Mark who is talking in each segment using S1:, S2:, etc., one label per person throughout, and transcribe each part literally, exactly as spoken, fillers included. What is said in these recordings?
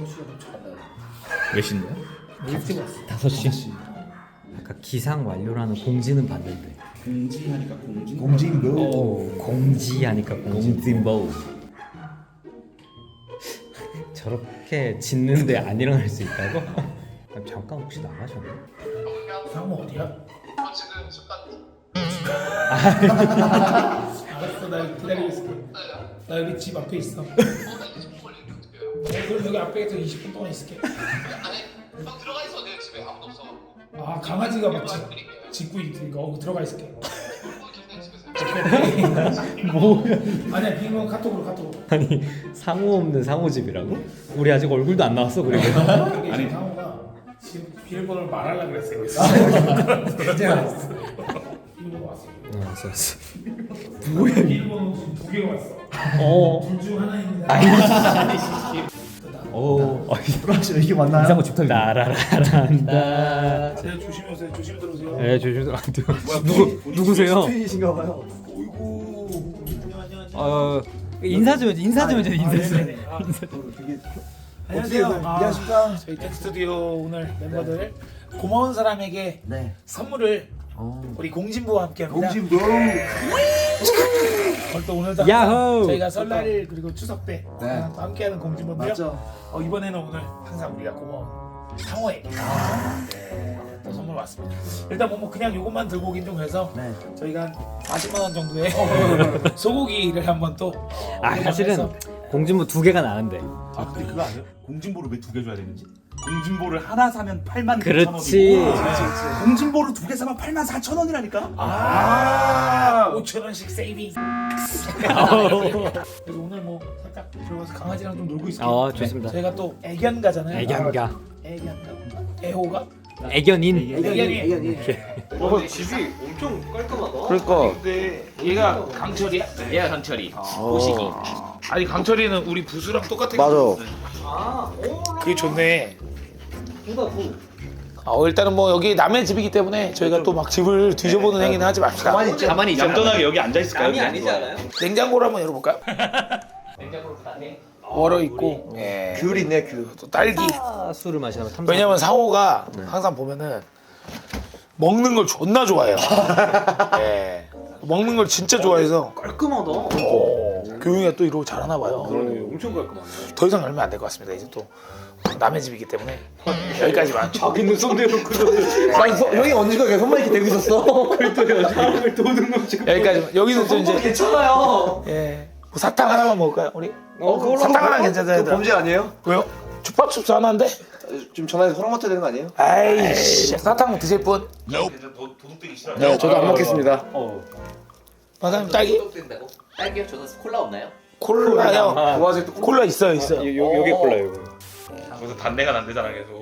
S1: 다섯 시간 도착한다.
S2: 몇 시인데요?
S1: 일찍 왔어.
S3: 다섯 시. 아까 기상 완료라는 공지는 봤는데.
S2: 공지하니까 공지.
S1: 공진보.
S3: 오, 공지하니까 공진보. 저렇게 짖는데 안 일어날 수 있다고? 그럼 잠깐 혹시 나가셨나?
S1: 상무 어디야?
S4: 저 지금 잠깐
S1: 알았어, 나 기다리고 있을게. 나 여기 집 앞에 있어.
S4: 어, 나 이제 좀 걸리는데 어떡해요?
S1: 어, 그럼 여기 앞에서 이십 분 동안 있을게.
S4: 안에 형 들어가 있어. 내 집에 아무도 없어.
S1: 아, 강아지가 막 짖,
S4: 드릴게요.
S1: 짖고 있으니까 어, 들어가 있을게.
S4: 놀고 계시네 집에서.
S3: 뭐야?
S1: 아니야, 비밀번호 카톡으로 카톡으로.
S3: 아니 상호 없는 상호집이라고? 우리 아직 얼굴도 안 나왔어 그리고.
S1: 아니, 아니 상호가 지금 비밀번호를 말하려고 그랬어. 여기서. 진짜 알았어. 비밀번호 왔어.
S3: 어, 왔어 왔어.
S1: 비밀번호 지금 두 개가 왔어.
S3: 어.
S1: 둘 중 하나입니다.
S3: 오.
S5: 브라질 이게 맞나요?
S3: 이상호 집털 나라라란다.
S1: 네, 조심히 오세요. 조심히 들어오세요.
S3: 네, 조심히 안 돼요. 누구 누구세요?
S5: 스트레이신가 봐요.
S1: 어이구. 안녕.
S3: 어 인사 좀 해줘. 인사 좀 해줘. 인사 좀.
S1: 네네. 아,
S5: 되게
S1: 안녕하세요.
S5: 어떻게
S1: 아,
S5: 안녕하십니까?
S1: 저희 텍스튜디오 오늘 멤버들 고마운 사람에게
S5: 네.
S1: 선물을 우리 공진부와 함께합니다.
S5: 공진보.
S1: 어, 또 오늘도
S3: 야호!
S1: 저희가 설날 그리고 추석 때
S5: 네.
S1: 또 함께하는 공진부인데요.
S5: 맞죠?
S1: 어, 이번에는 오늘 항상 우리가 고마운 상호에게 네, 또 선물 왔습니다. 일단 뭐, 뭐 그냥 요것만 들고 오긴 좀 그래서
S5: 네.
S1: 저희가 한 사십만 원 정도의 소고기를 한번 또
S3: 아 사실은 공진부 두 개가 나은데.
S2: 아 근데 그거 아세요? 공진보를 왜 두 개 줘야 되는지? 공진보를 하나 사면 팔만
S3: 그렇지.
S2: 공진보를 두 개 사면 팔만 사천 원이라니까?
S1: 아, 오천 원씩 세이빙. 그래서 오늘 뭐 살짝 들어가서 강아지랑 좀 놀고 있을게요.
S3: 어 좋습니다.
S1: 저희가 또 애견가잖아요.
S3: 애견가.
S1: 애견가. 애호가?
S3: 애견인.
S1: 애견이.
S5: 애견이.
S6: 어, 집이 엄청 깔끔하다.
S2: 그러니까
S1: 근데 얘가 강철이야?
S6: 얘가 강철이.
S2: 보시기.
S1: 아니 강철이는 우리 부수랑 똑같아.
S5: 맞아.
S6: 아, 오,
S1: 그게 좋네.
S6: 누가 부?
S1: 어, 일단은 뭐 여기 남의 집이기 때문에 저희가 또 막 집을 뒤져보는 행위는 하지 맙시다.
S5: 가만히 있죠.
S6: 가만히 있죠.
S2: 얌전하게 여기 앉아 있을까요?
S6: 남이 아니지 않아요?
S1: 냉장고를 한번 열어볼까요?
S6: 냉장고로 가네.
S1: 얼어 있고, 예.
S5: 귤 있네 귤.
S1: 또 딸기.
S3: 아, 술을 마시면 탐사.
S1: 왜냐면 상호가 항상 보면은 먹는 걸 존나 좋아해요. 예. 먹는 걸 진짜 좋아해서
S6: 깔끔하다.
S1: 어, 교육이가 또 이러고 잘하나 봐요.
S6: 그러네, 엄청 깔끔하네.
S1: 더 이상 열면 안 될 것 같습니다. 이제 또 남의 집이기 때문에 여기까지만.
S6: 자기는 손대놓고
S5: 난 서, 형이 언제가 계속 손만 이렇게 대고 있었어.
S6: 사람을 도는 거 지금.
S1: 여기까지만. 여기는 또 이제
S6: 괜찮아요.
S1: 예. 뭐 사탕 하나만 먹을까요, 우리?
S5: 어 그걸로
S1: 사탕 하나
S5: 먹어요?
S1: 괜찮아요.
S5: 그거 범죄 아니에요?
S1: 왜요? 주밥춥스 하나인데?
S5: 좀 전화해서 허락 맡아야 되는 거 아니에요?
S1: 아이씨, 사탕 드실 분?
S2: 도둑되기 싫어.
S5: 네, 저도 안 먹겠습니다.
S1: 마사님 딸기?
S6: 된다고? 딸기요? 저는 콜라 없나요?
S1: 콜라요.
S5: 도화지 또
S1: 콜라 있어요, 있어요.
S3: 여기 콜라 여기.
S2: 거기서 단내가 난대잖아 계속.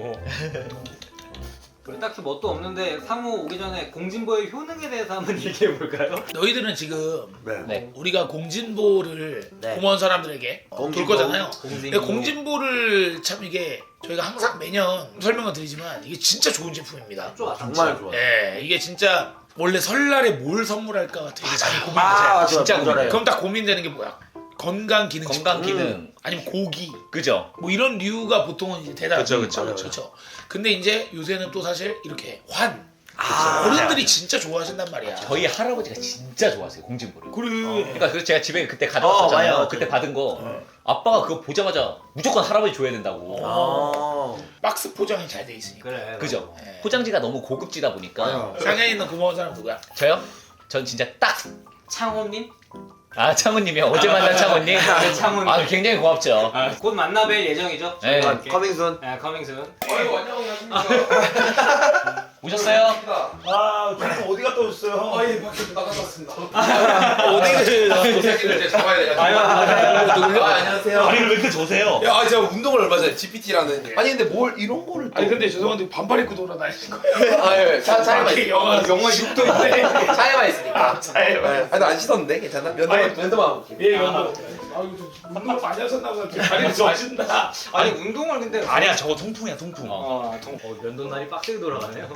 S6: 우리 딱히 뭣도 없는데 상호 오기 전에 공진보의 효능에 대해서 한번 얘기해 볼까요?
S1: 너희들은 지금
S6: 네.
S1: 우리가 공진보를
S6: 네.
S1: 고마운 사람들에게 어, 돌
S5: 공진보.
S1: 거잖아요.
S6: 공진보.
S1: 근데 공진보를 참 이게 저희가 항상 매년 설명을 드리지만 이게 진짜 좋은 제품입니다.
S6: 좋아,
S5: 정말 좋아.
S1: 예, 이게 진짜 원래 설날에 뭘 선물할까 되게 잘 고민되잖아요.
S5: 아, 맞아.
S6: 진짜
S5: 뭔지 알아요.
S1: 그럼 딱 고민되는 게 뭐야? 건강 기능
S6: 건강
S1: 식품.
S6: 기능.
S1: 아니면 고기
S2: 그죠?
S1: 뭐 이런 류가 보통은 이제 대답.
S2: 그쵸, 그쵸,
S1: 맞아요,
S2: 그쵸.
S1: 그쵸. 근데 이제 요새는 또 사실 이렇게 환
S6: 아,
S1: 어른들이 진짜 좋아하신단 말이야.
S6: 저희 할아버지가 진짜 좋아하세요 공진보를.
S1: 그래.
S6: 그러니까 그래서 제가 집에 그때 가져왔었잖아요.
S5: 어, 맞아요.
S6: 그때 받은 거. 아빠가 그거 보자마자 무조건 할아버지 줘야 된다고.
S5: 아.
S1: 박스 포장이 잘 돼 있으니까.
S6: 그래.
S1: 그죠?
S6: 그죠?
S1: 네.
S6: 포장지가 너무 고급지다 보니까.
S5: 맞아요.
S1: 상해에 있는 고마운 사람 누구야?
S6: 저요? 전 진짜 딱 창호님? 아 창호님이요. 어제 만난 창호님.
S7: 네, 창훈.
S6: 아 굉장히 고맙죠.
S7: 곧 만나뵐 예정이죠?
S6: 네.
S5: 아, 커밍순.
S7: 네, 커밍순.
S4: 아이고 안녕하십니까.
S6: 오셨어요?
S2: 아 지금 어디 갔다 오셨어요?
S4: 아예 밖에 나갔다 왔습니다.
S1: 어디를
S4: 새끼들 이제 잡아야 돼가지고.
S7: 아유, 맞아요.
S4: 아, 안녕하세요.
S2: 다리를 왜 이렇게 조세요?
S4: 야, 아, 제가 운동을 얼마 전에 지피티라는. 아니 근데 뭘 이런 거를 또.
S1: 아니 근데 죄송한데 반팔 입고 돌아다니는 거예요.
S4: 아, 예, 차 차에만
S1: 밖에
S4: 있.
S1: 영하
S4: 영하 육 도인데 차에만 있으니까.
S1: 차에만.
S4: 아니 나안 씻었는데 괜찮나? 면도만 면도만.
S1: 예, 연도. 아, 이거 좀 운동 많이 하셨나 보다. 다리를 좋아하신다.
S7: 아니 운동을 근데
S2: 아니야 저거 통풍이야 통풍.
S7: 어, 동, 어 면도날이 빡세게 돌아가네요.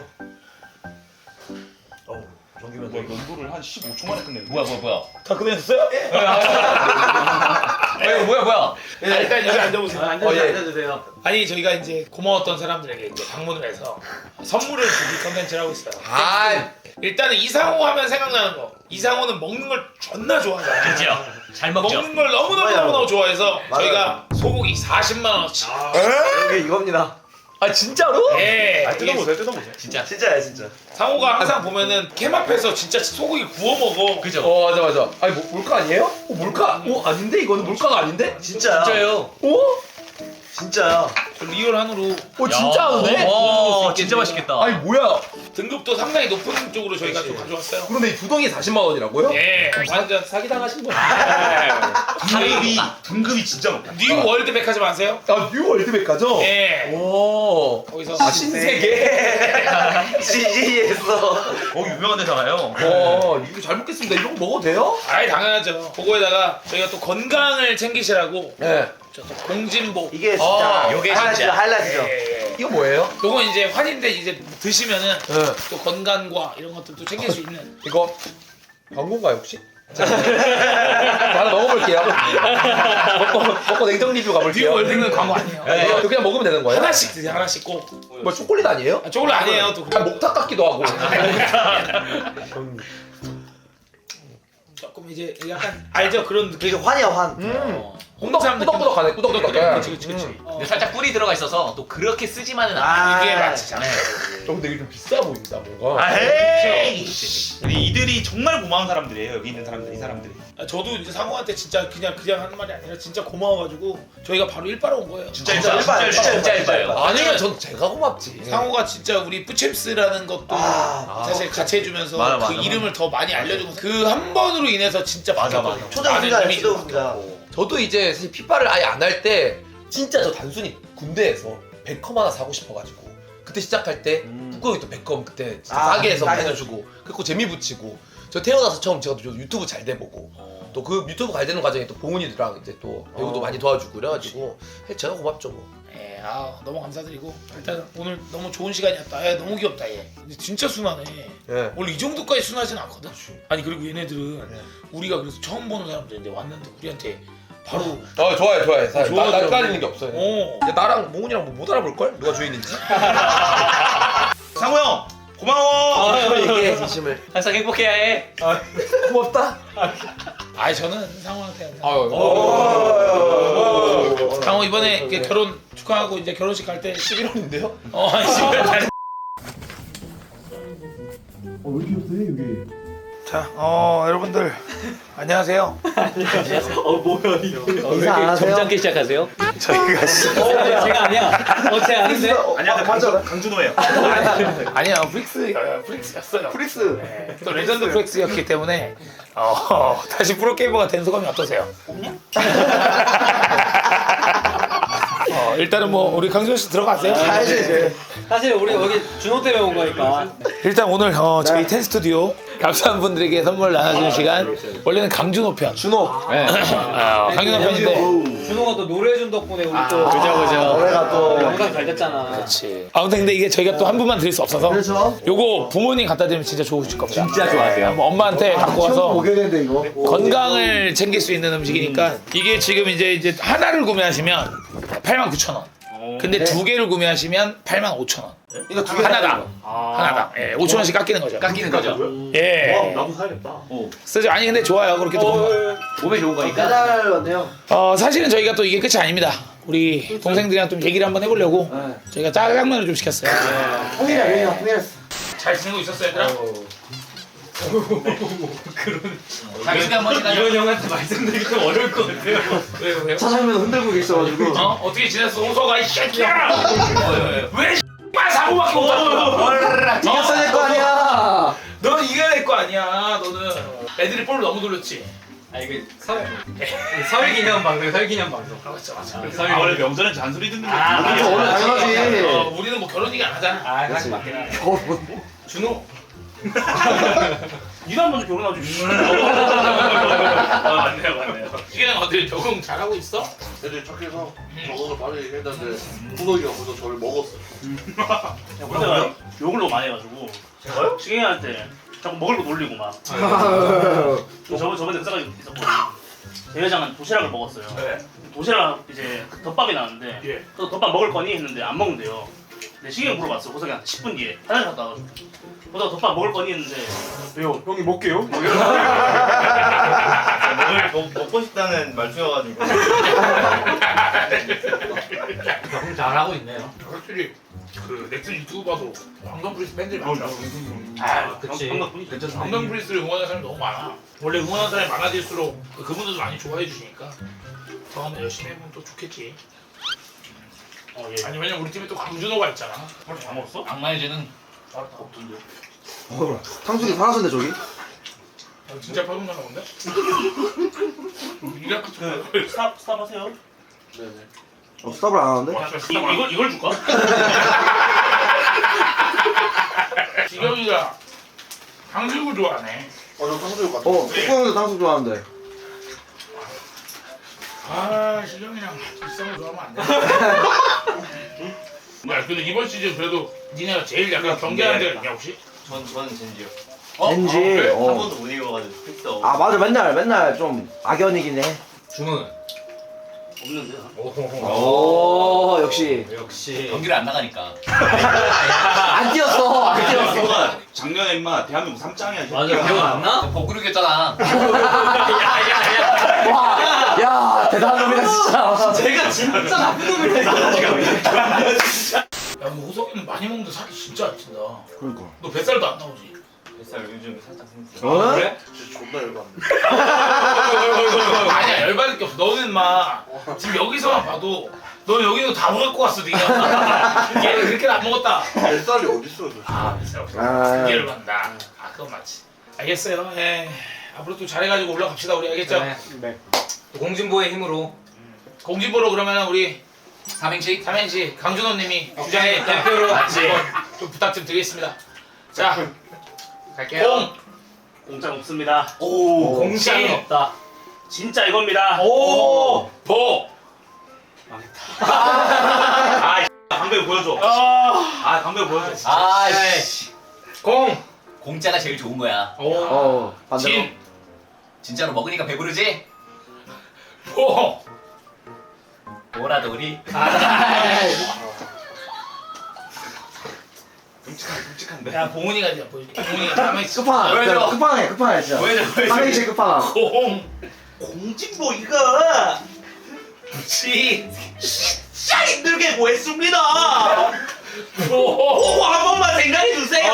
S2: 저기면 뭐 연도를 한 십오 초 만에 끝내.
S6: 뭐야 뭐야 뭐야?
S1: 다 끝내셨어요?
S6: 아, 뭐야 뭐야 뭐야?
S1: 아, 일단 여기 앉아보세요.
S6: 앉아주세요.
S4: 어, 예.
S6: 앉아주세요.
S1: 아니 저희가 이제 고마웠던 사람들에게 이제 방문을 해서 선물을 주기 컨텐츠를 하고 있어요.
S4: 아,
S1: 일단은 이상호 하면 생각나는 거. 이상호는 먹는 걸 존나 좋아하잖아요.
S7: 그죠? 잘 먹죠?
S1: 먹는 걸 너무너무 너무너무 좋아해서 저희가 소고기 사십만 원어치.
S5: 여기 이겁니다.
S4: 아 진짜로?
S1: 예.
S2: 아,
S1: 이게
S2: 뜯어보세요, 뜯어보세요.
S7: 진짜.
S5: 진짜야 진짜.
S1: 상호가 항상 보면은 캠 앞에서 진짜 소고기 구워 먹어.
S7: 그죠?
S4: 어 맞아 맞아. 아니 뭐, 몰카 아니에요? 어 몰카? 어 아닌데 이거는 몰카가 아닌데?
S5: 진짜야.
S7: 진짜요?
S4: 어?
S5: 진짜야.
S1: 리얼 한우로
S4: 어 진짜 하네?
S7: 와, 진짜 맛있겠다.
S4: 아니 뭐야?
S1: 등급도 상당히 높은 쪽으로 저희가 좀 가져왔어요.
S4: 그런데 이 두 덩이 사십만 원이라고요?
S1: 예. 완전 사기당하신 분.
S2: 등급이 등급이 진짜 높아.
S1: 뉴 월드 백화점 아세요?
S4: 아 뉴 월드백화죠?
S1: 예.
S4: 오.
S1: 거기서
S4: 아 신세계.
S5: 씨지에서.
S2: 어 유명한 데잖아요.
S4: 어 이거 잘 먹겠습니다. 이런 거 먹어도 돼요?
S1: 아예 당연하죠. 그거에다가 저희가 또 건강을 챙기시라고
S4: 네.
S1: 저또 공진복.
S5: 이게 진짜.
S4: 아,
S7: 요게
S5: 하이라이트죠,
S7: 진짜.
S5: 하이라이트죠.
S1: 예, 예.
S4: 이거 뭐예요?
S1: 요건 이제 환인데 이제 드시면은
S4: 네.
S1: 또 건강과 이런 것들도 챙길 수 있는.
S4: 이거 광고인가요 혹시? 자, 하나 먹어볼게요. 먹고, 먹고 냉정 리뷰
S1: 뉴
S4: 가볼게요.
S1: 월드는 광고 아니에요.
S4: 네, 이거 그냥 먹으면 되는 거예요?
S1: 하나씩 드세요. 하나씩 꼭.
S4: 뭐 초콜릿 아니에요?
S1: 아, 저걸로 아니에요. 또.
S4: 아, 목탁 같기도 하고.
S1: 조금 이제 약간 알죠 그런 느낌.
S5: 이게 환이야 환.
S1: 어,
S4: 꾸덕,
S1: 홍삼 느낌.
S4: 꾸덕꾸덕하네, 꾸덕꾸덕해.
S1: 그렇지 그렇지 그렇지. 어.
S7: 근데 살짝 꿀이 들어가 있어서 또 그렇게 쓰지만은 않아.
S5: 아
S1: 이게 맞잖아요.
S4: 저 근데 이게 좀 비싸 보인다 뭔가.
S2: 아, 헤이. 근데 이들이 정말 고마운 사람들이에요. 여기 있는 사람들, 이 사람들이.
S1: 아, 저도 이제 상호한테 진짜 그냥 그냥 하는 말이 아니라 진짜 고마워가지고 저희가 바로 일바로 온 거예요.
S2: 진짜
S5: 진짜
S2: 일반,
S5: 일반,
S2: 진짜
S7: 진짜
S2: 일반.
S7: 일바예요.
S4: 아니면 전 제가 고맙지.
S1: 상호가 진짜 우리 뿌챔스라는 것도
S5: 아,
S1: 사실 같이 해주면서
S2: 맞아,
S1: 그
S2: 맞아,
S1: 이름을 더 많이 알려주고 그 한 번으로 인해서 진짜
S2: 맞아,
S1: 바뀌었거든요.
S2: 맞아.
S5: 초등
S1: 많은
S5: 분자야
S1: 이미지가
S5: 초등 분자.
S1: 바뀌었고.
S4: 저도 이제 사실 피파를 아예 안 할 때 진짜 저 단순히 군대에서 베컴 하나 사고 싶어가지고 그때 시작할 때 북극이 또 베컴 그때 진짜
S5: 아,
S4: 싸게 해서
S5: 싸게.
S4: 해주고 그리고 재미 붙이고 저 태어나서 처음 제가 또 유튜브 잘 돼보고 또 그 유튜브 잘 되는 과정에 또 봉훈이들랑 이제 또 배우도
S5: 어.
S4: 많이 도와주고 그래가지고 제가 고맙죠 뭐.
S1: 예, 아 너무 감사드리고 일단 오늘 너무 좋은 시간이었다. 야, 너무 귀엽다 얘. 근데 진짜 순하네.
S4: 예.
S1: 원래 이 정도까지 순하진 않거든. 아니 그리고 얘네들은 우리가 그래서 처음 보는 사람들인데 왔는데 우리한테 바로
S4: 어 좋아요 좋아요. 사실 나
S1: 좋아하더라고.
S4: 낯가리는 게 없어요.
S1: 어.
S4: 야, 나랑 봉훈이랑 뭐 못 알아볼 걸? 누가 주인인지.
S2: 상호 형 고마워.
S5: 얘기해 진심을.
S7: 항상 행복해야 해.
S4: 고맙다.
S1: 아니 저는 상호한테
S4: 아유.
S1: 상호 이번에 이렇게 결혼 축하하고 이제 결혼식 갈 때
S4: 십일 월인데요?
S1: 어 십일 달.
S5: 왜 이렇게 없어 여기?
S1: 자, 어 여러분들 안녕하세요.
S5: 인사 안 하세요?
S7: 점잖게 시작하세요.
S1: 저희가 씨.
S7: 어, 제가 아니야. 어, 제가 아닌데.
S2: 아니야,
S5: 아,
S2: 강준,
S5: 맞아.
S2: 강준호예요.
S1: 아니야 프릭스 프릭스였어요.
S5: 프리스.
S1: 네, 또 레전드 프렉스였기 때문에 어, 다시 프로게이머가 된 소감이 어떠세요? 어, 일단은 뭐 우리 강준 씨 들어가세요.
S5: 알지 이제.
S6: 사실 우리 여기 준호 때문에 온 거니까.
S1: 일단 오늘 어, 저희 텐 스튜디오 감사한 분들에게 선물 나눠주는 시간. 원래는 강준호 편.
S5: 준호.
S1: 네. 어, 강준호 편인데.
S6: 준호가 또 노래해준 덕분에 우리 또
S7: 그죠, 그죠.
S5: 노래가 또.
S6: 영상 잘 됐잖아.
S1: 그렇지. 아무튼 근데 이게 저희가 또 한 분만 드릴 수 없어서.
S5: 그렇죠.
S1: 요거 부모님 갖다 드리면 진짜 좋으실 겁니다.
S7: 진짜 좋아하세요.
S1: 한번 엄마한테 갖고 와서
S5: 먹여야 되는데 이거.
S1: 건강을 챙길 수 있는 음식이니까 이게 지금 이제 이제 하나를 구매하시면 팔만 구천 원. 근데 두 개를 구매하시면 팔만 오천 원.
S5: 이거 두 개.
S1: 하나당. 하나당. 예, 오천 원씩 깎이는 거죠.
S7: 깎이는 거죠.
S1: 예.
S2: 나도 사야겠다.
S1: 쓰죠. 아니 근데 좋아요. 그렇게 또.
S7: 몸에 좋은 거니까.
S5: 배달 왔네요.
S1: 어, 사실은 저희가 또 이게 끝이 아닙니다. 우리 동생들이랑 좀 얘기를 한번 해보려고 저희가 짜장면을 좀 시켰어요.
S5: 통일이야 통일이야 통일했어.
S1: 잘 지내고 있었어 얘들아?
S7: 자기소개 한번 해가지고.
S6: 이런 형한테 말씀드리기 좀 어려울 것 같아요.
S1: 왜요 왜요?
S5: 차장면 흔들고 계셔가지고.
S1: 어? 어떻게 지냈어? 호소가 이 새끼야! 왜 X발 사고밖에 못하는
S5: 네가 써야 될 거 아니야.
S1: 너는 이겨야 될 거 아니야. 너는 애들이 볼을 너무 돌렸지.
S6: 아 이게 설 설 기념 방송, 설 기념 방송.
S1: 맞죠 맞죠.
S6: 설
S2: 아, 원래 명절엔 잔소리 듣는 게.
S6: 아,
S2: 모르겠어.
S5: 그렇죠, 원래 당연하지.
S1: 어, 우리는 뭐 결혼 얘기 안 하잖아.
S6: 아, 사실 맞긴 하네.
S1: 준호.
S2: 니가 먼저 결혼하지.
S1: 아 맞네요 맞네요. 지금 어디 적응 잘하고 있어?
S8: 애들이 착해서 적응을 빨리 했는데 후덕이가 먼저 저를 먹었어.
S2: 내가 욕을 너무 많이 해가지고. 제가요? 시경이 할 때 자꾸 먹을 거 놀리고 막. 저번 저번에 의사가 있었거든요.
S9: 대회장은 도시락을 먹었어요.
S1: 네.
S9: 도시락 이제 그 덮밥이 나왔는데
S1: 예.
S9: 또 덮밥 먹을 거니 했는데 안 먹는데요. 근데 시경이 물어봤어. 호석이한테 십 분 뒤에 화장실 갔다 와가지고 호석 덮밥 먹을 거니 했는데 왜요? 형이 먹게요? 뭐 이러고
S10: 먹을 먹, 먹고 싶다는 말투여가지고.
S7: 형 잘하고 있네요.
S1: 확실히 그 넥슨 유튜브 봐도 황금 프리스 팬들이 많더라.
S7: 아, 그치.
S1: 황금 프리스를 응원하는 사람이 너무 많아. 원래 응원하는 사람이 많아질수록 그분들도 많이 좋아해 주시니까 더 한번 열심히 해보면 또 좋겠지.
S9: 어, 예.
S1: 아니 왜냐면 우리 팀에 또 강준호가 있잖아.
S9: 오늘 다 먹었어?
S7: 악마의 재능.
S9: 없던데.
S5: 어, 탕수육이 사라졌네 저기.
S1: 아, 진짜 팔gun나 본데? 이래
S9: 네. 스탑 스탑 하세요. 네네.
S5: 어, 스탑을 안 하는데?
S9: 이, 이걸 이걸 줄까?
S1: 지경이가 탕수육을 좋아하네.
S8: 어저 탕수육 같은
S5: 어, 뚜껑도 탕수육 좋아하는데.
S1: 아 시경이랑 비싼 거 좋아하면 안 돼. 야 근데 이번 시즌 그래도 니네가 제일 약간 경계하는 데가 있냐 혹시?
S10: 전 저는 젠지요.
S5: 젠지.
S1: 아, 그래?
S10: 한
S5: 어.
S10: 번도 못 이겨가지고 픽서.
S5: 아 맞아 맨날 맨날 좀 악연이긴 해.
S7: 준호는?
S9: 없는데.
S5: 오 역시.
S7: 역시.
S6: 경기를 안 나가니까.
S5: 안 뛰었어 안 뛰었어.
S10: 작년에 임마 대한민국 삼 장이야.
S7: 맞아, 기억 안 나?
S6: 버그르겠잖아.
S5: 와, 야 대단한 놈이다 진짜.
S6: 제가 진짜 나쁜 놈이네.
S1: 야 근데 호석이는 많이 먹는데 살이 진짜 안 찐다.
S5: 그러니까.
S1: 너 뱃살도 안 나오지?
S10: 뱃살 요즘 살짝 생겼어.
S5: 어?
S1: 그래?
S8: 진짜 존나 열받네.
S1: 아니야 열받을 게 없어. 너는 막 지금 여기서만 봐도 너 여기도 다 먹을 것 같어 네가. 얘는 그렇게 안 먹었다.
S8: 뱃살이 어딨어 저.
S1: 아 뱃살 없어.
S5: 아.
S1: 그게 열받는다. 아 그건 맞지. 알겠어요. 예. 앞으로 또 잘해가지고 올라갑시다 우리 알겠죠?
S6: 네.
S7: 또 공진보의 힘으로
S1: 공진보로 그러면 우리
S6: 삼행시.
S1: 삼행시 강준호님이 주장에
S7: 대표로
S1: 같이 좀 부탁 좀 드리겠습니다. 자
S6: 갈게요.
S1: 공,
S9: 공짜 없습니다.
S5: 오.
S7: 공짜는 없다.
S9: 진짜 이겁니다.
S1: 오, 보.
S10: 아 방금 보여줘. 아 방금 보여줘.
S6: 아이씨.
S1: 공,
S6: 공짜가 제일 좋은 거야.
S1: 오,
S5: 어 반대로.
S1: 진,
S6: 진짜로 먹으니까 배부르지?
S1: 보.
S6: 뭐라도 우리.
S10: 끔찍한데.
S1: 야 봉훈이가 이제 보여줄게. 봉훈이가 삼행시.
S5: 끝판왕.
S6: 보여줘.
S5: 끝판왕해 끝판왕해 진짜.
S6: 보여줘, 보여줘.
S5: 삼행시 끝판왕.
S1: 공,
S10: 공진보 이거
S1: 지,
S10: 진짜 힘들게 구했습니다.
S1: 보.
S10: 보고 한 번만 생각해 주세요.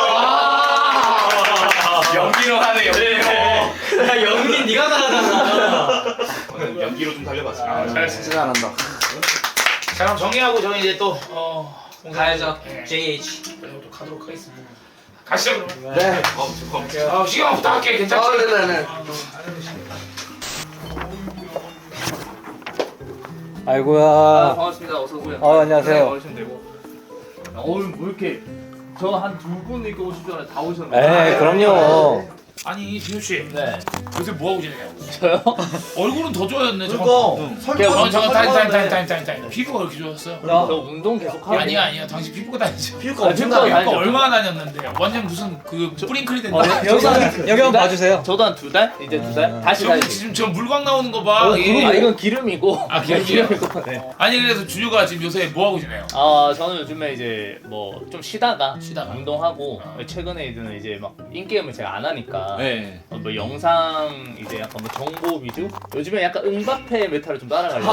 S6: 연기로 하네, 연기로.
S7: 야, 연기 네가 잘하잖아.
S10: 오늘 연기로 좀 달려봤습니다.
S1: 아, 잘했어.
S5: 진짜 잘한다.
S1: 자 그럼 정리하고 저희 이제 또 어.
S7: 가야죠.
S1: 네.
S7: 제이에이치.
S1: 그리고 또 가도록 하겠습니다. 가시죠 그러면.
S5: 네.
S10: 어 잠깐.
S1: 아 시경 부탁할게. 괜찮지?
S5: 아, 네네네.
S3: 아이고야.
S6: 반갑습니다. 어서 오세요.
S3: 아 안녕하세요.
S6: 오시면 되고. 오늘 뭐 이렇게 저 한 두 분 이렇게 오실 줄 알았는데 다 오셨네.
S3: 에 그럼요.
S1: 아니 진우 씨.
S6: 네.
S1: 요새 뭐 하고 지내냐고.
S6: 저요?
S1: 얼굴은 더 좋아졌네.
S5: 그러니까
S1: 잠깐.
S5: 설거지
S1: 잠깐 타임 타임 타임 타임 타임 타임. 피부가 그렇게 좋았어요?
S6: 저 운동 계속 하고.
S1: 아니야 아니야. 당신 피부가 다니죠.
S5: 피부가
S6: 아,
S5: 엄청
S6: 피부가
S5: 나요.
S1: 피부가 얼마나 다녔는데. 완전 무슨 그 뿌링클이 된다.
S3: 여기 여기 한번 봐주세요.
S6: 저도 한 두 달? 이제 두 달? 다시
S1: 저기
S6: 다시.
S1: 지금 저 물광 나오는 거 봐.
S6: 아
S1: 예.
S6: 이건 기름이고.
S1: 아, 기름이요?
S6: 기름이고. 네.
S1: 아니 그래서 준유가 지금 요새 뭐 하고 지내요?
S6: 아 저는 요즘에 이제 뭐 좀 쉬다가
S1: 쉬다가.
S6: 운동하고
S1: 어.
S6: 최근에 이제는 이제 막 인게임을 제가 안 하니까
S1: 네.
S6: 어, 뭐 영상 이제 약간 뭐 정보 위주? 요즘에 약간 응바페 메타를 좀 따라가려고.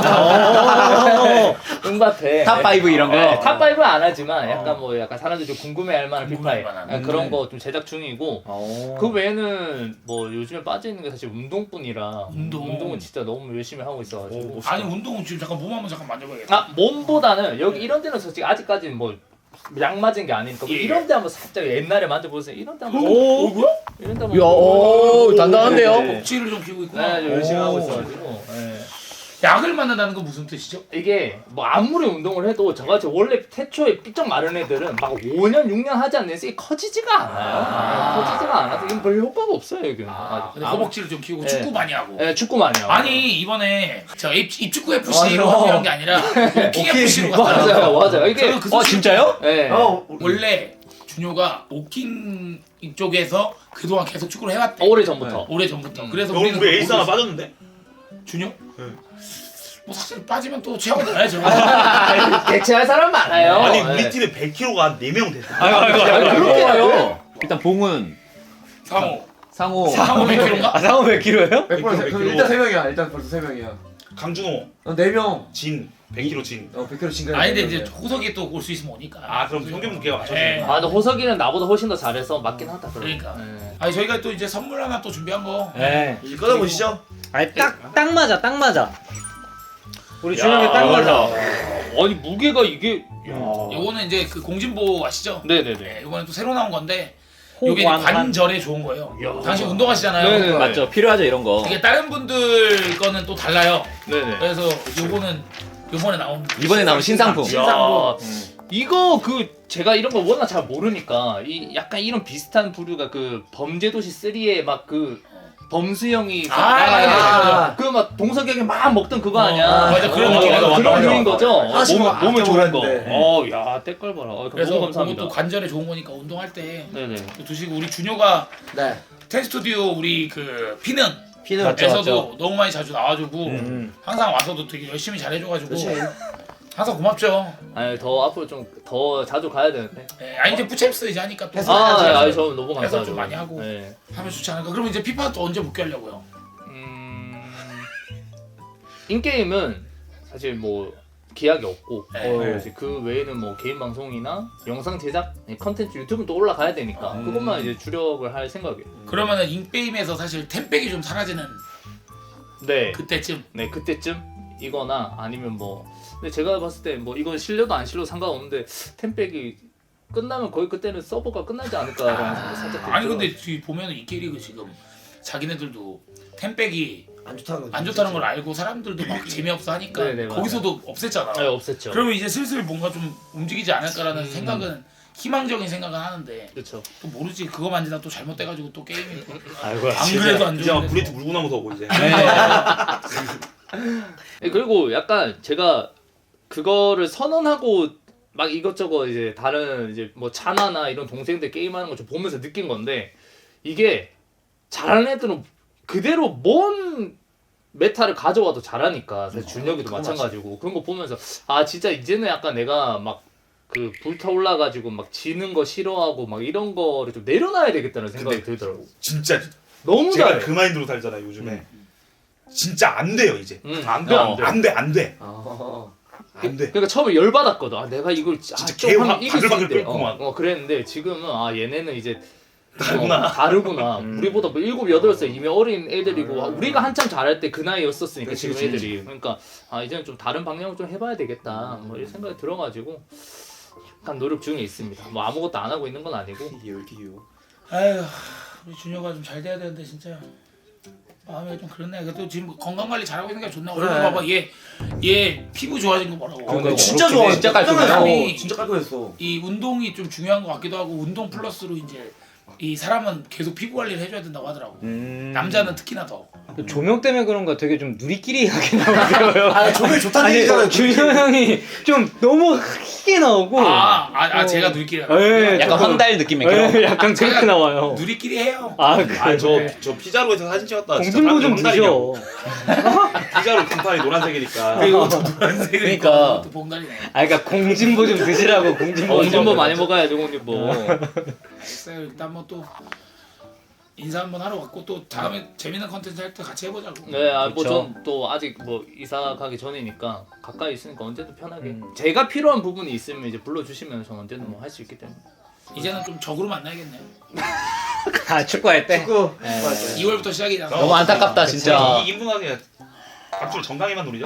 S6: 응바페.
S7: 탑 파이브 이런 거?
S6: 네, 탑 파이브는 안 하지만 약간 뭐 약간 사람들이 좀 궁금해할 만한 피파에
S1: 궁금해할 만한.
S6: 약간 그런 거 좀 제작 중이고 그 외에는 뭐 요즘에 빠져있는 게 사실 운동뿐이라
S1: 운동.
S6: 운동은 진짜 너무 열심히 하고 있어가지고
S1: 아니 운동은 지금 잠깐 몸 한번 잠깐 만져봐야겠다.
S6: 아 몸보다는 여기 이런 데는 솔직히 아직까지는 뭐 약 맞은 게 아니니까 뭐
S1: 예.
S6: 이런 데 한번 살짝 옛날에 만져보세요. 이런 데 한번
S1: 오, 뭐야?
S6: 이런 데 한번
S7: 야, 오, 단단한데요?
S6: 네.
S1: 복지를 좀 키우고 있구나.
S6: 네, 좀 열심히 하고 있어가지고 네.
S1: 약을 만든다는 건 무슨 뜻이죠?
S6: 이게 뭐 아무리 운동을 해도 저같이 원래 태초에 삐쩍 마른 애들은 막 오 년, 육 년 하지 않는 이상 커지지가 않아요.
S1: 아.
S6: 네, 커지지가 않아서 이건 별 효과가 없어요 여기는.
S1: 아, 근데
S6: 아무-
S1: 허벅지를 좀 키우고
S6: 네.
S1: 축구 많이 하고.
S6: 네, 축구만요.
S1: 아니 이번에 저 입, 입축구 에프씨로
S3: 맞아.
S1: 하는 게 아니라 오킹 에프씨로 갔다.
S6: 맞아요, 맞아요. 이게
S1: 저는 그
S3: 어
S1: 소식-
S3: 진짜요?
S6: 네.
S5: 어,
S1: 원래 준효가 오킹 이쪽에서 그동안 계속 축구를 해왔대.
S6: 오래 전부터.
S1: 오래 전부터. 그래서
S10: 오늘
S1: 우리는
S10: 우리 에이스 하나
S1: 모르겠어.
S10: 빠졌는데?
S1: 준혁? 뭐 사실 빠지면 또 체하고 나야죠.
S7: 대체할 사람 많아요.
S10: 아니
S7: 네.
S10: 우리 팀에 백 킬로그램가 한 네 명 됐어.
S7: 아이고 아이고 아이고.
S5: 그렇게 해요. 일단 봉은
S1: 상호.
S5: 상호.
S1: 상호 몇 킬로인가?
S3: 아 상호 몇 킬로예요?
S5: 백 퍼센트. 그럼 일단 세 명이야. 일단 벌써 세 명이야.
S10: 강준호,
S5: 어, 네 명.
S10: 진, 백 킬로그램 진.
S5: 어, 백 킬로그램 진가.
S1: 아니 근데 이제 호석이 또 올 수 있으면 오니까.
S10: 아 그럼 평균 무게가 맞춰져.
S1: 네.
S7: 아, 근데 호석이는 나보다 훨씬 더 잘해서 맞긴 하다. 그럼.
S1: 그러니까.
S7: 네.
S1: 아니 저희가 또 이제 선물 하나 또 준비한 거.
S3: 네.
S10: 이제 꺼내보시죠.
S3: 아니 딱 딱 맞아 딱 맞아. 우리
S7: 야,
S3: 준혁이 딱 맞아.
S7: 아니 무게가 이게. 야.
S1: 요거는 이제 그 공진보 아시죠?
S7: 네네네.
S1: 네, 요거는 또 새로 나온 건데 요게
S3: 호관관.
S1: 관절에 좋은 거예요.
S7: 야.
S1: 당신 운동하시잖아요.
S7: 네네 맞죠. 필요하죠 이런 거.
S1: 이게 다른 분들 거는 또 달라요.
S7: 네네.
S1: 그래서 요거는 요번에 나온
S7: 이번에 나온 신상품.
S1: 신상으로.
S7: 이거 그 제가 이런 거 워낙 잘 모르니까 이 약간 이런 비슷한 부류가 그 범죄도시 쓰리에 막 그 범수형이
S1: 아, 아,
S7: 그 막 동석이형이 막 먹던 그거
S1: 어,
S7: 아니야?
S1: 맞아, 그런
S7: 어,
S1: 느낌. 맞아,
S7: 그런
S1: 맞아,
S7: 류인
S1: 맞아.
S7: 거죠.
S5: 하나씩
S7: 몸,
S5: 막
S7: 몸에 좋은 거.
S5: 아껴먹었는데.
S7: 어, 야, 때깔 봐라. 어,
S1: 그래서
S7: 너무 감사합니다.
S1: 그것도 관절에 좋은 거니까 운동할 때
S7: 네네.
S1: 또 드시고 우리 준효가
S5: 네.
S1: 텐스튜디오 우리 그 피는
S5: 피는
S3: 맞죠,
S1: 에서도
S3: 맞죠.
S1: 너무 많이 자주 나와주고
S3: 음.
S1: 항상 와서도 되게 열심히 잘해줘가지고
S5: 그렇지.
S1: 항상 고맙죠.
S7: 아니 더 앞으로 좀 더 자주 가야 되는데.
S1: 네, 아니 이제 부챔스 이제 하니까 또
S5: 해서
S7: 아,
S5: 해야지,
S7: 네,
S5: 해야지.
S7: 아니 저 너무
S1: 해서
S7: 감사하죠.
S1: 좀 많이 하고.
S7: 네.
S1: 하면 좋지 않을까. 그러면 이제 피파 또 언제 복귀하려고요?
S7: 음... 인게임은 사실 뭐 기약이 없고
S1: 네.
S7: 어, 이제 그 외에는 뭐 개인 방송이나 영상 제작, 컨텐츠 유튜브는 또 올라가야 되니까
S1: 음.
S7: 그것만 이제 주력을 할 생각이에요.
S1: 그러면은 인게임에서 사실 템백이 좀 사라지는
S7: 네.
S1: 그때쯤.
S7: 네 그때쯤 이거나 아니면 뭐 근데 제가 봤을 때 뭐 이건 실려도 안 실려도 상관없는데 템백이 끝나면 거의 그때는 서버가 끝나지 않을까라는 생각이 살짝
S1: 아니 근데
S7: 들더라고요.
S1: 지금 보면은 이 캐릭은 지금 자기네들도 템백이
S5: 안 좋다는 거.
S1: 안 좋다는 걸 알고 사람들도 막 재미없어 하니까
S7: 네네, 맞아요.
S1: 거기서도 없앴잖아.
S7: 네, 없앴죠.
S1: 그러면 이제 슬슬 뭔가 좀 움직이지 않을까라는
S7: 음.
S1: 생각은 희망적인 생각은 하는데
S7: 그렇죠.
S1: 또 모르지 그거 만지다 또 잘못돼가지고 또 게임이
S3: 아이고.
S1: 안 그래도 안
S10: 이제 막
S1: 좋은데
S10: 브레이트 물고 나면서 오고 이제.
S7: 네, 그리고 약간 제가 그거를 선언하고 막 이것저것 이제 다른 이제 뭐 차나나 이런 동생들 게임하는 거 좀 보면서 느낀 건데 이게 잘하는 애들은 그대로 뭔 메타를 가져와도 잘하니까 사실 준혁이도 마찬가지고 그런 거 보면서 아 진짜 이제는 약간 내가 막 그 불타올라 가지고 막 지는 거 싫어하고 막 이런 거를 좀 내려놔야 되겠다는 생각이
S10: 근데
S7: 들더라고.
S10: 진짜
S7: 너무
S10: 제가
S7: 잘해.
S10: 그 마인드로 살잖아요 요즘에. 진짜 안 돼요 이제.
S7: 음,
S10: 안 돼, 안 돼, 안 돼, 안 돼,
S5: 아.
S10: 안 돼.
S7: 그러니까 처음에 열 받았거든. 아 내가 이걸 아,
S10: 진짜
S7: 좀
S10: 개
S7: 하면
S10: 화-
S7: 이길 수
S10: 바글바글
S7: 있대.
S10: 끓구만.
S7: 어, 어 그랬는데 지금은 아 얘네는 이제
S10: 다르구나.
S7: 어, 다르구나.
S3: 음.
S7: 우리보다 뭐 일곱 여덟 살 이미 어린 애들이고 아, 우리가 한참 잘할 때 그 나이였었으니까
S5: 그치,
S7: 지금
S5: 그치.
S7: 애들이. 그러니까 아 이제는 좀 다른 방향을 좀 해봐야 되겠다. 뭐 이런 생각이 들어가지고 약간 노력 중에 있습니다. 뭐 아무것도 안 하고 있는 건 아니고.
S5: 이게 왜 이렇게 귀여워?
S1: 아휴 우리 준혁아 좀 잘 돼야 되는데 진짜 마음이 좀 그렇네. 그래도 지금 건강 관리 잘하고 있는 게 좋나.
S5: 그래.
S1: 오늘 봐봐 얘 얘 피부 좋아진 거 뭐라고.
S5: 그러니까 진짜 좋아.
S7: 진짜 깔끔해.
S1: 사람이
S5: 진짜 깔끔했어.
S1: 이 운동이 좀 중요한 것 같기도 하고 운동 플러스로 이제 이 사람은 계속 피부 관리를 해줘야 된다고 하더라고.
S3: 음.
S1: 남자는 특히나 더.
S3: 그 조명 때문에 그런가 되게 좀 누리끼리 하게 나오더라고요.
S5: 아, 조명 좋다는
S3: 아니
S5: 얘기잖아요.
S3: 준혁 형이 좀 너무 크게 나오고.
S1: 아, 아, 아
S3: 어.
S1: 제가 누리끼리
S3: 예,
S7: 약간
S3: 조금-
S7: 황달 느낌의
S3: 예, 약간 그렇게 나와요.
S1: 누리끼리 해요.
S3: 아 그래.
S10: 아저저 피자로에서 사진 찍었다. 진짜
S3: 공진보 좀
S10: 사람들이
S3: 드셔.
S10: 황달이냐고. 피자로 금판이 노란색이니까.
S1: 그리고 또 노란색이니까
S7: 그러니까.
S1: 또 봉다리네.
S3: 아 그러니까 공진보 좀 드시라고 공진보.
S7: 공진보 많이 먹어야죠 공진보.
S1: 글쎄요, 일단 뭐 또 인사 한번 하러 왔고 또 다음에 재밌는 컨텐츠 할 때 같이 해보자고.
S7: 네, 아, 뭐
S3: 그쵸.
S7: 전 또 아직 뭐 이사 가기 전이니까 가까이 있으니까 언제든 편하게.
S3: 음.
S7: 제가 필요한 부분이 있으면 이제 불러주시면 전 언제든 뭐 할 수 있기 때문에.
S1: 이제는 좀 적으로 만나야겠네요.
S3: 아 축구할 때.
S5: 축구.
S1: 이월부터 시작이잖아.
S7: 너무 안타깝다 진짜.
S10: 이 인분하게 앞으로 정강이만 노리죠.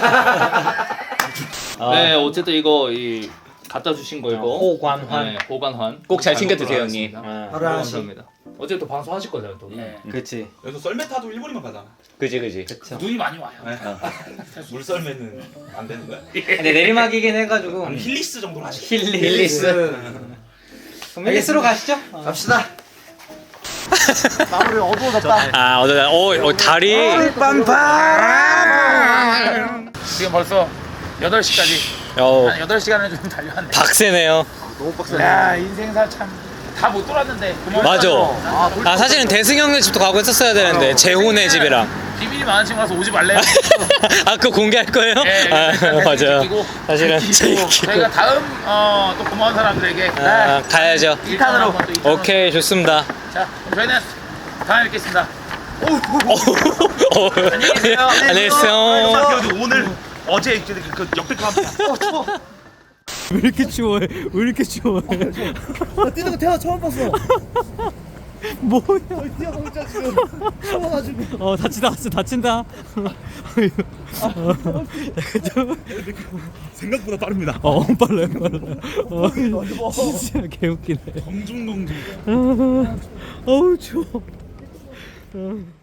S3: 아,
S7: 네, 어쨌든 이거 이 갖다 주신 거 이거.
S3: 호관환.
S7: 네, 보관환.
S6: 꼭 잘 챙겨 드세요, 형님.
S7: 알겠습니다.
S3: 아,
S5: 하루 하나씩.
S7: 감사합니다. 어쨌든 방송 하실 거잖아요, 또.
S1: 예.
S3: 그렇지.
S10: 여기서 썰매타도 일본이만 가잖아.
S6: 그지 그지.
S1: 눈이 많이 와요.
S10: 물썰매는 안 되는 거야?
S3: 근데 내리막이긴 해가지고.
S10: 아니 힐리스 정도로 하지.
S3: 힐리스. 그럼 힐리스로 가시죠.
S5: 갑시다. 마무리 어두워졌다.
S6: 아 어제 어, 어 다리.
S1: 지금 벌써 여덟 시까지
S6: 어
S1: 한 여덟 시간을 좀 달려왔네.
S6: 박세네요.
S5: 너무 빡세네.
S1: 야 인생사 참 다 못 돌았는데.
S3: 맞아. 아 사실은 대승 형네 집도 가고 했었어야 되는데 재훈의 집이랑.
S1: 비밀이 많은 친구라서 오지 말래요.
S3: 아 그거 공개할 거예요?
S1: 네,
S3: 아, 맞아요.
S1: 지키고,
S3: 사실은
S1: 지키고
S3: 지키고.
S1: 저희가 다음 어, 또 고마운 사람들에게
S3: 아, 가야죠.
S1: 일 탄으로.
S3: 오케이 좋습니다.
S1: 자, 그럼 저희는 다음에 뵙겠습니다.
S3: 어,
S1: 안녕히 계세요.
S3: 안녕히 계세요.
S10: 오늘 어제 그, 그 역대급 합니다.
S3: 왜 이렇게 추워해? 왜 이렇게 추워해?
S5: 뛰는 거 태어 처음 봤어.
S3: 뭐야?
S5: 뛰어보자 지금. 추워가지고.
S3: 어 다친다 다친다.
S2: 생각보다 빠릅니다.
S3: 어 빨라요 빨라요. 어, 진짜 개웃기네.
S2: 공중공중.
S3: 어우 추워.